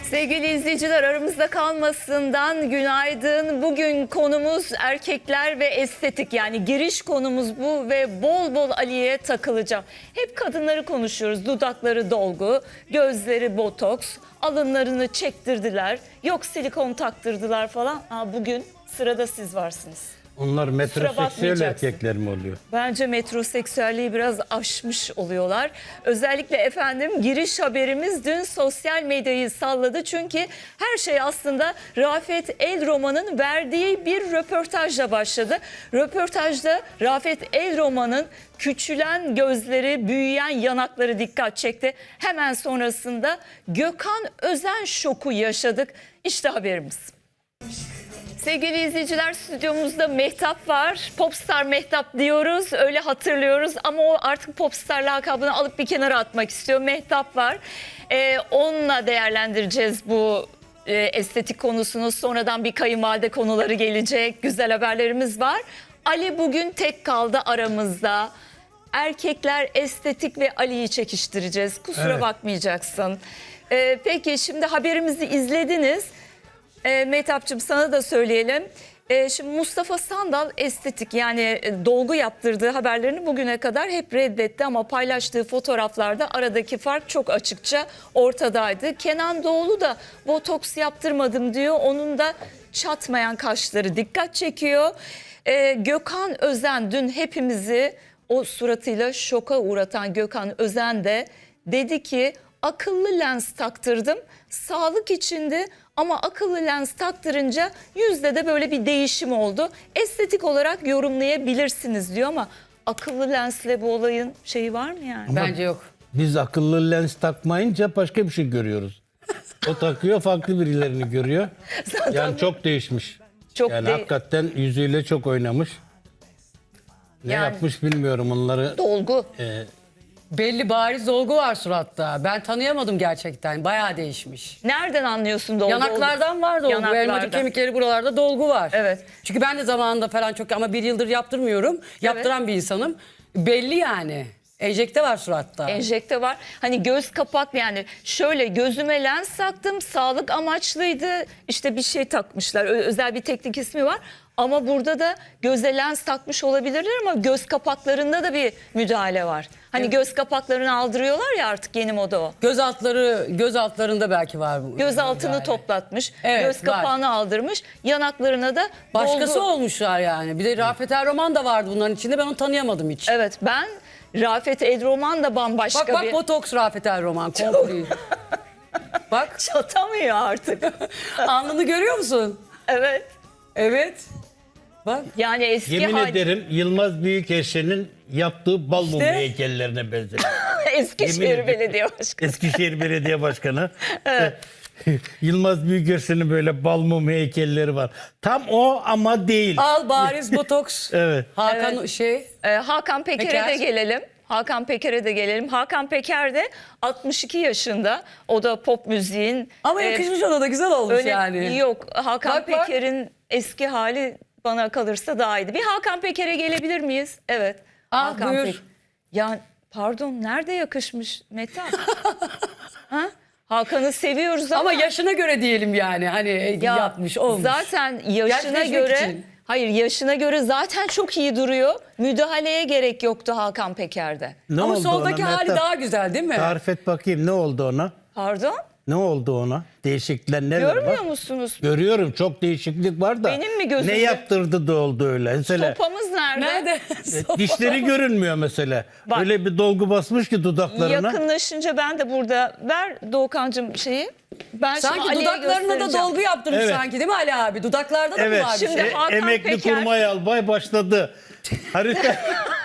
Sevgili izleyiciler, aramızda kalmasından günaydın. Bugün konumuz erkekler ve estetik, yani giriş konumuz bu ve bol bol Ali'ye takılacağım. Hep kadınları konuşuyoruz. Dudakları dolgu, gözleri botoks, alınlarını çektirdiler, yok silikon taktırdılar falan. Bugün sırada siz varsınız. Onlar metroseksüel bakmayacaksın. erkekler mi oluyor? Bence metroseksüelliği biraz aşmış oluyorlar. Özellikle efendim giriş haberimiz dün sosyal medyayı salladı. Çünkü her şey aslında Rafet El Roman'ın verdiği bir röportajla başladı. Röportajda Rafet El Roman'ın küçülen gözleri, büyüyen yanakları dikkat çekti. Hemen sonrasında Gökhan Özen şoku yaşadık. İşte haberimiz. Sevgili izleyiciler, stüdyomuzda Mehtap var. Popstar Mehtap diyoruz, öyle hatırlıyoruz ama o artık popstar lakabını alıp bir kenara atmak istiyor. Mehtap var. Onunla değerlendireceğiz bu estetik konusunu. Sonradan bir kayınvalide konuları gelecek. Güzel haberlerimiz var. Ali bugün tek kaldı aramızda. Erkekler estetik ve Ali'yi çekiştireceğiz. Kusura bakmayacaksın. Peki şimdi haberimizi izlediniz. Mehtapçığım, sana da söyleyelim. Şimdi Mustafa Sandal estetik, yani dolgu yaptırdığı haberlerini bugüne kadar hep reddetti ama paylaştığı fotoğraflarda aradaki fark çok açıkça ortadaydı. Kenan Doğulu da botoks yaptırmadım diyor. Onun da çatmayan kaşları dikkat çekiyor. Gökhan Özen dün hepimizi o suratıyla şoka uğratan Gökhan Özen de dedi ki akıllı lens taktırdım, sağlık içindi ama akıllı lens taktırınca yüzde de böyle bir değişim oldu. Estetik olarak yorumlayabilirsiniz diyor ama akıllı lensle bu olayın şeyi var mı yani? Ama bence yok. biz akıllı lens takmayınca başka bir şey görüyoruz. O takıyor, farklı birilerini görüyor. Yani çok değişmiş. Çok yani hakikaten yüzüyle çok oynamış. Ne Yani- yapmış bilmiyorum onları. Dolgu. Belli bariz dolgu var suratta. Ben tanıyamadım gerçekten. Bayağı değişmiş. Nereden anlıyorsun dolgu? Yanaklardan var dolgu. Yanaklardan. Elmacık kemikleri buralarda dolgu var. Evet. Çünkü ben de zamanında falan çok ama bir yıldır yaptırmıyorum. Yaptıran bir insanım. Belli yani. Enjekte var suratta. Enjekte var. Hani göz kapak, yani şöyle gözüme lens taktım, sağlık amaçlıydı. İşte bir şey takmışlar. Özel bir teknik ismi var. Ama burada da göze lens takmış olabilirler ama göz kapaklarında da bir müdahale var. Hani göz kapaklarını aldırıyorlar ya, artık yeni moda o. Göz altlarında belki var bu. Göz altını müdahale. toplatmış, Evet, göz kapağını aldırmış, yanaklarına da Başkası dolgu. olmuşlar yani. Bir de Rafet El Roman da vardı bunların içinde. Ben onu tanıyamadım hiç. Evet, ben Rafet El Roman da bambaşka Bak bir... botoks Rafet El Roman. Komple. Bak Çatamıyor artık. alnını görüyor musun? Evet. Evet. Bak. Yani eski Yemin hali... ederim Yılmaz Büyükerşen'in yaptığı bal mumu İşte. heykellerine benzer. Eskişehir Yemin ederim. Belediye Başkanı. Eskişehir Belediye Başkanı. Yılmaz Büyükerşen'in böyle bal mum heykelleri var. Tam o ama değil. Al bariz botoks. Evet. Hakan Hakan Peker'e Peker. de gelelim. Hakan Peker de 62 yaşında. O da pop müziğin... ama yakışmış ona da güzel olmuş öyle, yani. Yok, Hakan Bak, bak. Peker'in eski hali bana kalırsa daha iyiydi. Bir Hakan Peker'e gelebilir miyiz? Evet. Hakan buyur. Peker. Ya pardon, nerede yakışmış Mehtap? Ha? Hakan'ı seviyoruz ama... Ama yaşına göre diyelim yani hani Ya yapmış olmuş. zaten yaşına Gençleşmek göre için. hayır, yaşına göre zaten çok iyi duruyor. Müdahaleye gerek yoktu Hakan Peker'de. Ne Ama oldu soldaki ona hali Mehtap? daha güzel değil mi? Tarif et bakayım, ne oldu ona? Pardon? Ne oldu ona? Değişiklikler neler var? Görmüyor musunuz? Görüyorum, çok değişiklik var da. Benim mi gözümde? Ne yaptırdı da oldu öyle? Mesela Sopamız nerede? Nerede? dişleri görünmüyor mesela. Bak. Öyle bir dolgu basmış ki dudaklarına. Yakınlaşınca ben de burada, ver Doğukancığım şeyi. Ben şimdi Sanki Ali'ye dudaklarına da göstereceğim. dolgu yaptırmış Evet. sanki değil mi Ali abi? Dudaklarda da Evet. mı var bir Şimdi şey? Hakan Emekli Peker- kurmay albay başladı. Harita.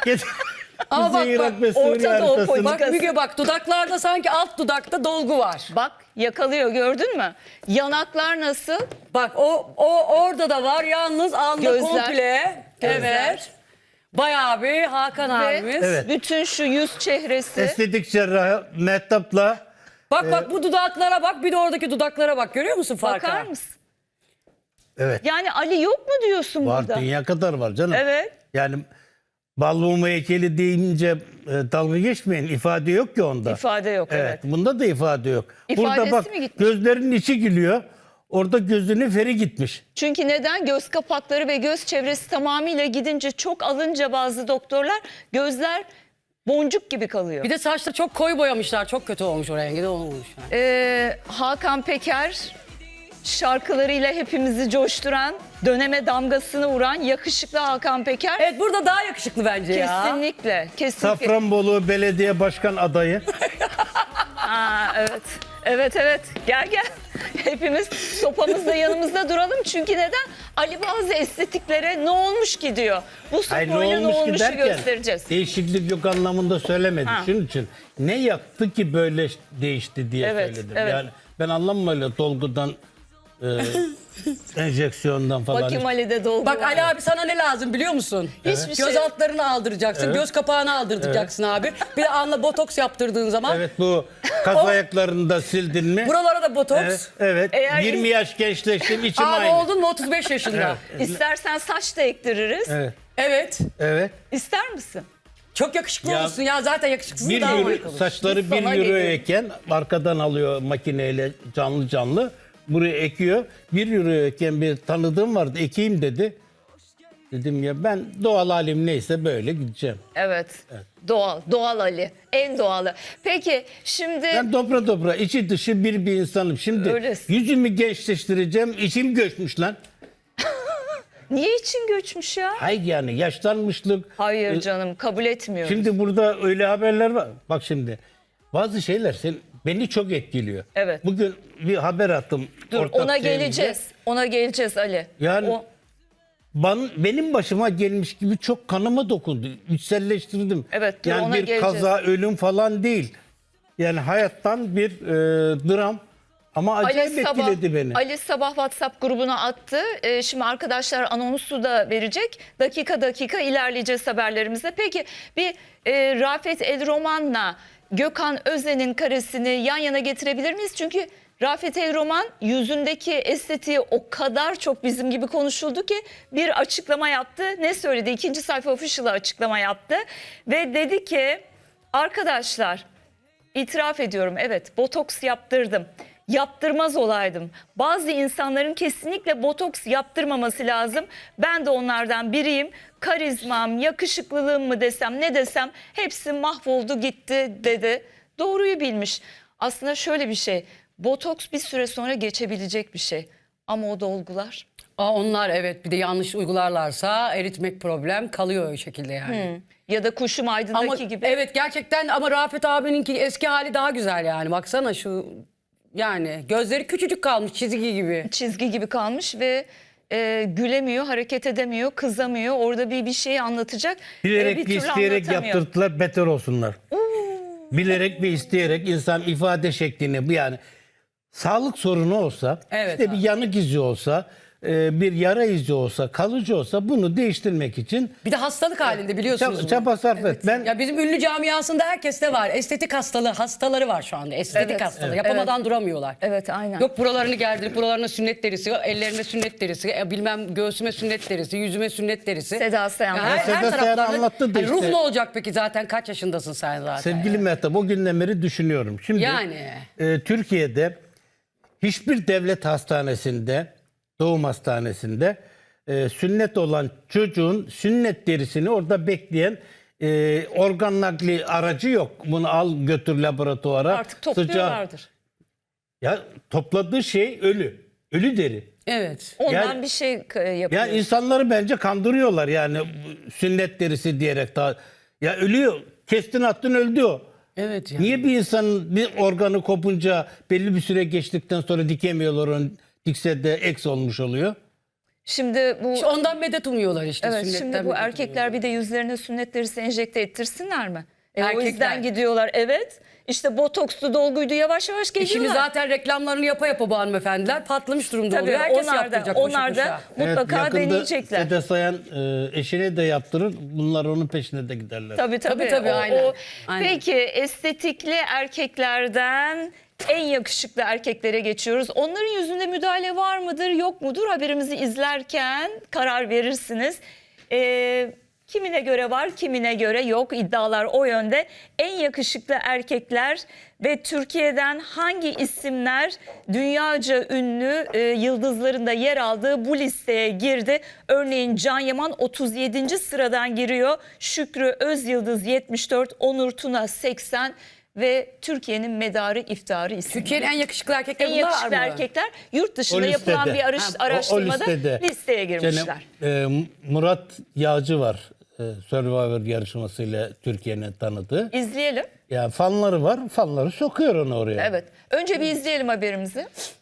Ama Kuzey bak, Irak ve Orta Suriye Doğu haritasını. politikası. Bak Müge bak dudaklarda sanki alt dudakta dolgu var. Bak, yakalıyor, gördün mü? Yanaklar nasıl? Bak o orada da var yalnız alnı Gözler. komple. Gözler. Evet. Bayağı bir Hakan abimiz. Ve bütün şu yüz çehresi. Estetik cerrahı Mehtap'la Bak bu dudaklara bak bir de oradaki dudaklara bak görüyor musun farkı? Bakar mısın? evet Yani Ali yok mu diyorsun var, burada? dünya kadar var canım. Evet. Yani Balmumu heykeli deyince dalga geçmeyin. İfade yok ki onda. İfade yok, evet. Bunda da ifade yok. Burada İfadesi bak mi gitmiş? gözlerinin içi gülüyor. Orada gözünün feri gitmiş. Çünkü neden? Göz kapakları ve göz çevresi tamamıyla gidince, çok alınca bazı doktorlar gözler boncuk gibi kalıyor. Bir de saçları çok koyu boyamışlar. Çok kötü olmuş o rengi de olmuş. Yani. Hakan Peker şarkılarıyla hepimizi coşturan, döneme damgasını vuran yakışıklı Hakan Peker. Evet, burada daha yakışıklı bence ya. Kesinlikle, kesinlikle. Safranbolu Belediye Başkan adayı. Aa, evet. Evet. Gel. Hepimiz sopamızda yanımızda duralım. Çünkü neden? Ali bazı estetiklere ne olmuş ki diyor. Bu Hayır, sopayla ne olmuşu derken, göstereceğiz. değişiklik yok anlamında söylemedi. Ha. Şunun için ne yaptı ki böyle değişti diye Evet, söyledim. evet. Yani ben anlamam öyle dolgudan, enjeksiyondan falan. Bakayım Ali'de dolgu Bak var. Ali abi, sana ne lazım biliyor musun? Hiçbir Göz şey. altlarını aldıracaksın, göz kapağını aldıracaksın abi. Bir de alnına botoks yaptırdığın zaman Evet, bu kaz ayaklarını da sildin mi? buralara da botoks. Evet. Eğer 20 yaş gençleştim, içim Abi aynı. oldun mu 35 yaşında? İstersen saç da ektiririz. Evet. Evet. İster misin? Çok yakışıklı Ya, olursun ya, zaten yakışıklısın, 1 daha euro, harika olursun. saçları Biz 1 sana euroyken arkadan alıyor makineyle canlı. Buraya ekiyor. 1 euroyken bir tanıdığım vardı, ekeyim dedi. Dedim ya ben doğal halim neyse böyle gideceğim. Evet. Doğal Ali. En doğalı. Peki şimdi Ben dobra içi dışı bir insanım. Şimdi Öylesin. yüzümü gençleştireceğim. İçim göçmüş lan. niye için göçmüş ya? Hayır yani yaşlanmışlık. Hayır canım, kabul etmiyorum. Şimdi burada öyle haberler var. Bak şimdi bazı şeyler beni çok etkiliyor. Evet. Bugün bir haber attım. Dur, ortak ona şeyimize. geleceğiz. Ona geleceğiz Ali. Yani benim başıma gelmiş gibi çok kanıma dokundu. İçselleştirdim. Evet, dur, yani ona bir geleceğiz. kaza, ölüm falan değil. Yani hayattan bir dram. Ama acayip etkiledi beni. Ali sabah WhatsApp grubuna attı. Şimdi arkadaşlar anonsu da verecek. Dakika ilerleyeceğiz haberlerimize. Peki bir Rafet El Roman'la Gökhan Özen'in karesini yan yana getirebilir miyiz? Çünkü Rafet El Roman yüzündeki estetiği o kadar çok bizim gibi konuşuldu ki bir açıklama yaptı. Ne söyledi? 2. sayfa official'a açıklama yaptı. Ve dedi ki arkadaşlar, itiraf ediyorum, evet, botoks yaptırdım. Yaptırmaz olaydım. Bazı insanların kesinlikle botoks yaptırmaması lazım. Ben de onlardan biriyim. Karizmam, yakışıklılığım mı desem, ne desem hepsi mahvoldu gitti dedi. Doğruyu bilmiş. Aslında şöyle bir şey. Botoks bir süre sonra geçebilecek bir şey. Ama o dolgular. Onlar evet, bir de yanlış uygularlarsa eritmek problem kalıyor o şekilde yani. Ya da Kuşum Aydın'daki Ama gibi. evet, gerçekten ama Rafet abininki eski hali daha güzel yani. Baksana şu, yani gözleri küçücük kalmış, çizgi gibi. Çizgi gibi kalmış ve gülemiyor, hareket edemiyor, kızamıyor. Orada bir şey anlatacak. Bilerek bir ve türlü isteyerek anlatamıyor. yaptırdılar, beter olsunlar. Bilerek ve isteyerek insan ifade şeklini, bu yani sağlık sorunu olsa, Evet işte abi. bir yanık izi olsa, bir yara izi olsa, kalıcı olsa bunu değiştirmek için Bir de hastalık halinde biliyorsunuz. bunu. çaba sarf et. Ben Ya bizim ünlü camiasında herkeste var. Estetik hastaları var şu anda. Estetik Evet, hastalığı. evet. Yapamadan duramıyorlar. Evet, aynen. Yok buralarını gerdirip buralarına sünnet derisi, ellerine sünnet derisi, bilmem göğsüme sünnet derisi, yüzüme sünnet derisi. Seda Sayan. Ya Seda Sayan taraflarına- anlattı da Hani ruh işte. ne olacak peki, zaten kaç yaşındasın sen zaten? sevgili Mehtap, o günden beri düşünüyorum. Şimdi Yani. Türkiye'de hiçbir devlet hastanesinde, doğum hastanesinde sünnet olan çocuğun sünnet derisini orada bekleyen organ nakli aracı yok. Bunu al götür laboratuvara. Artık topluyorlardır. Ya topladığı şey ölü. Ölü deri. Evet. Ondan Yani- bir şey yapıyor. Yani insanları bence kandırıyorlar yani sünnet derisi diyerek daha. Ya ölüyor. Kestin attın öldü o. Evet yani. Niye bir insanın bir organı kopunca belli bir süre geçtikten sonra dikemiyorlar onu, dikse de eks olmuş oluyor? Şimdi bu İşte ondan medet umuyorlar işte. evet, sünnetten şimdi bu medet erkekler bir de yüzlerine sünnet derisi enjekte ettirsinler mi? O Erkekler. yüzden gidiyorlar. Evet. İşte botokslu, dolguydu, yavaş yavaş geliyorlar. Şimdi zaten reklamlarını yapa bu hanımefendiler patlamış durumda Tabii oluyor. Herkes onlar da, yaptıracak koşu onlar da koşa. mutlaka yakında deneyecekler. Seda Sayan eşine de yaptırır. Bunlar onun peşine de giderler. Tabii. Tabii, aynen. Aynen. Peki estetikli erkeklerden en yakışıklı erkeklere geçiyoruz. Onların yüzünde müdahale var mıdır yok mudur? Haberimizi izlerken karar verirsiniz. Kimine göre var, kimine göre yok. İddialar o yönde. En yakışıklı erkekler ve Türkiye'den hangi isimler dünyaca ünlü yıldızların da yer aldığı bu listeye girdi? Örneğin Can Yaman 37. sıradan giriyor. Şükrü Özyıldız 74, Onur Tuna 80 ve Türkiye'nin medarı iftiharı isimler. Türkiye'nin en yakışıklı erkekleri En bunlar yakışıklı mı? erkekler yurt dışında O listede. yapılan bir O araştırmada listede. listeye girmişler. Murat Yağcı var. Survivor yarışmasıyla Türkiye'nin tanıdığı. İzleyelim. Ya fanları var. Fanları sokuyor onu oraya. Evet. Önce bir izleyelim haberimizi.